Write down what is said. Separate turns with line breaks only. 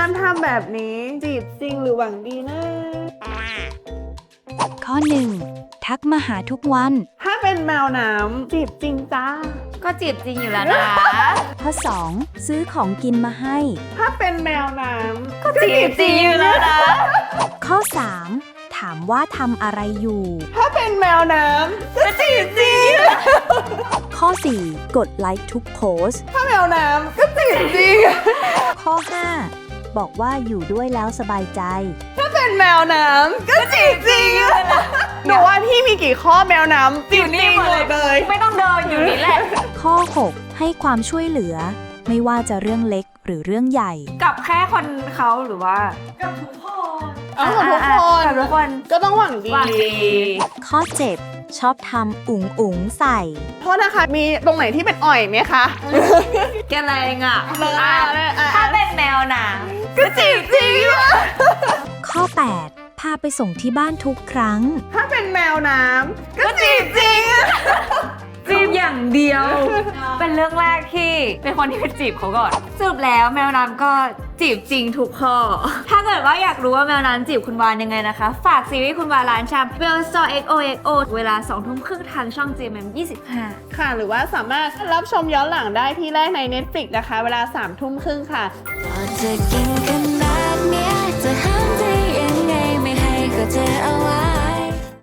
การทำแบบนี้จีบจริงหรือหวังดีนะ
ข้อ 1. ทักมาหาทุกวัน
ถ้าเป็นแมวน้ำจีบจริงจ้า
ก็จีบจริงอยู่แล้วนะ
ข้อ 2. ซื้อของกินมาให้
ถ้าเป็นแมวน้ำ
ก็จีบจริงอยู่แล้วนะ
ข้อ 3. ถามว่าทำอะไรอยู่
ถ้าเป็นแมวน้ำก็จีบจริง
ข้อ 4. กดไลค์ทุกโพสต์
ถ้าแมวน้ำก็จีบจริง
ข้อ 5. บอกว่าอยู่ด้วยแล้วสบายใจ
ถ้าเป็นแมวน้ำก็จีบจริงหนูว่าพี่มีกี่ข้อแมวน้ำจีบจริงหมดเลย
ไม่ต้องเดินอยู่นี่แหละ
ข้อ 6. ให้ความช่วยเหลือ ไม่ว่าจะเรื่องเล็กหรือเรื่องใหญ่
กับแค่คนเขาหรือว่า
กับทุกคนเอากับทุกคน
กับทุกคน
ก็ต้องหวังดี
หวังดี
ข้อ 7. ชอบทำอุ๋งอุ๋งใส่
โทษนะคะ มีตรงไหนที่เป็นอ่อยไหมคะ
แกแรงอ่ะ
เลยอ่ะ
ถ้าเป็นแมวหนัง
ก็จีบจริง
ข้อ 8. พาไปส่งที่บ้านทุกครั้ง
ถ้าเป็นแมวน้ำก็จีบจริง
จีบอย่างเดียว เป็นเรื่องแรกที่เป็นคนที่ไปจีบเขาก่อนสรุปแล้วแมวน้ำก็จีบจริงทุกข้อ ถ้าเกิดว่าอยากรู้ว่าแมวน้ำจีบคุณวานยังไงนะคะ ฝากซีรีส์คุณวานร้านชาม Bell Store XOXO เวลา 20:30 ทางช่อง GMM 25
ค่ะ หรือว่าสามารถรับชมย้อนหลังได้ที่แรกใน Netflix นะคะ เวลา 21:30 ค่ะ
พอจะกินขนาดเนี้ยจะห้ามได้ยังไงไม่ให้เขาเจอเอาไว้